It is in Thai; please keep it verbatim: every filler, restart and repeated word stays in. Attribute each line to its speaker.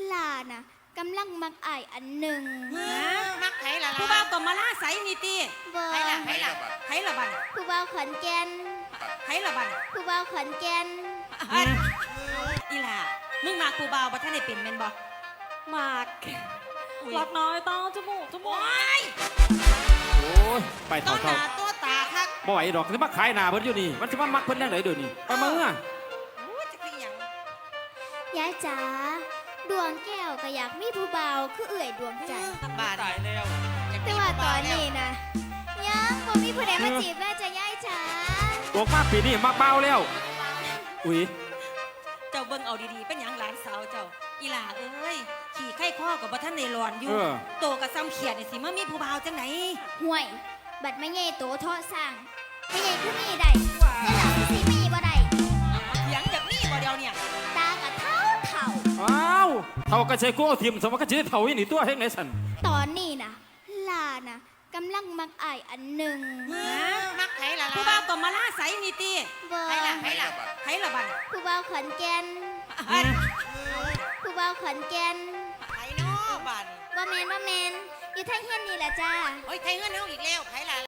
Speaker 1: ลาน่ะกำลังมักอายอันหนึ่ง
Speaker 2: มักไผล่ะ
Speaker 3: ผู้บ่าวก็มาล่าใสนี่ติ
Speaker 1: บ่
Speaker 2: ไผล่ะไผล่ะ
Speaker 3: ไผละบัด
Speaker 1: ผู้บ่าวขอนแก่น
Speaker 3: ไผละบัด
Speaker 1: ผู้บ่าวขอนแก่น
Speaker 3: อีหล่ามึงมาผู้บ่าวบ่ทันได้เป็นแม่นบ่มากรักน้อยต้องจมูกจมูก
Speaker 4: โอ้ยไป
Speaker 2: ต้
Speaker 4: เท่าน
Speaker 2: ห
Speaker 4: เท่า
Speaker 2: น้าตัวตาคัก
Speaker 4: บ่ไหวดอกจะมาขายหน้าเพิ่นอยู่นี่มันจะมามักเพิ่นยังไงเดี๋ยวนี้ไปมึงอ่ะ
Speaker 2: โอ้ยจะเป็นหยัง
Speaker 1: ยายจ๋าดวงแก้วก็อยากมีผู้บ่าวคือเอื่อยดวงใจ
Speaker 2: บ้าน
Speaker 4: ตายแล้ว
Speaker 1: แต่ว่าตอนนี้นะยังบ่มีผู้ใดมาจีบแม่จ้ะยายจ๋า
Speaker 4: ตัวมากปีนี้มักเบาแล้วอุ้ย
Speaker 3: เจ้าเบิ่งเอาดีๆเป็นหยังหลานสาวเจ้าอีหล่าเอ้ยขี่ไข้ข้อกับบ่ทันได้ร้อนอยู่โตกับซ้ำเขียดนี่สิมามีผู้บ่าวจังไหน
Speaker 1: ห่วย บัดไม่ใหญ่โตเทาะสร้างไม่ใหญ่คือมีได้แต่หลังคือสิมีบ่ได้
Speaker 3: เถียงจากนี่บ่เดียวเนี่ย
Speaker 1: ตากับเท่าเท่า
Speaker 4: อ้าวเท่าก็ใช้กูเอาทีมสมก็จะได้เท่าอีนี่ตัวเฮ็ดไหนสั่น
Speaker 1: ตอนนี้นะลานะกำลังมักอายอันหนึ่ง
Speaker 2: มักไผล่ะ
Speaker 3: ผู้บ่าวก็มาล่าใสนี่ติ
Speaker 1: บ่
Speaker 2: ไผล่ะไผล่ะ
Speaker 3: ไผละบัด
Speaker 1: ผู้บ่าวขอนแก่นผู้บ่าวขอนแก่น
Speaker 2: ไผเนาะบ้าน
Speaker 1: บ่แมนบ่แมนอยู่ทางเฮียนนี่แหละจ้า
Speaker 2: โอ้ยไผเงินเฮาอีกแล้วไผล่ะ